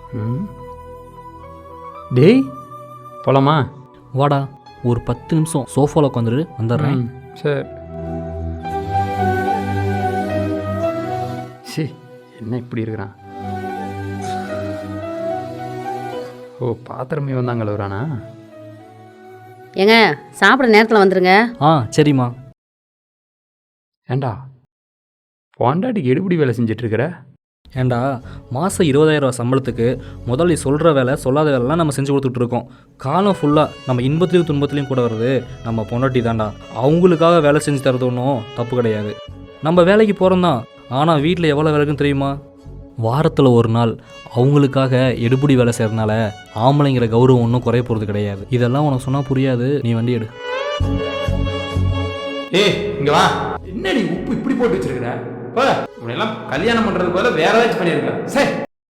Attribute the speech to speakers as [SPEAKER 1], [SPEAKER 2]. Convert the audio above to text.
[SPEAKER 1] டேய் போலாமா?
[SPEAKER 2] வாடா, ஒரு 10 நிமிஷம் சோஃபாவில் உட்காந்துரு, வந்துடுறேன்.
[SPEAKER 1] சரி. சரி, என்ன இப்படி இருக்கிறான்? ஓ, பாத்திரமே வந்தாங்க கழுவுறானா?
[SPEAKER 3] ஏங்க சாப்பிட்ற நேரத்தில் வந்துடுங்க.
[SPEAKER 2] சரிம்மா.
[SPEAKER 1] ஏண்டா பொண்டாட்டிக்கு எடுபடி வேலை செஞ்சிட்ருக்கிற?
[SPEAKER 2] ஏண்டா, மாதம் 20,000 சம்பளத்துக்கு முதல்ல நீ சொல்கிற வேலை சொல்லாத வேலைலாம் நம்ம செஞ்சு கொடுத்துட்ருக்கோம். காலம் ஃபுல்லாக நம்ம இன்பத்துலேயும் துன்பத்துலேயும் கூட வருது நம்ம பொண்டாட்டி தாண்டா. அவங்களுக்காக வேலை செஞ்சு தரது ஒன்றும் தப்பு கிடையாது. நம்ம வேலைக்கு போகிறோம் தான், ஆனால் வீட்டில் எவ்வளோ வேலை இருக்குன்னு தெரியுமா? வாரத்தில் ஒரு நாள் அவங்களுக்காக எடுபடி வேலை செய்கிறதுனால ஆம்பளைங்கிற கௌரவம் ஒன்றும் குறைய போகிறது கிடையாது. இதெல்லாம் உனக்கு சொன்னால் புரியாது, நீ வண்டி எடு.
[SPEAKER 1] இங்க வா. என்னடி உப்பு இப்படி போட்டு வச்சிருக்கிற? உன்னையெல்லாம் கல்யாணம் பண்றது போல வேற ஏதாச்சும் பண்ணியிருக்க. சரி.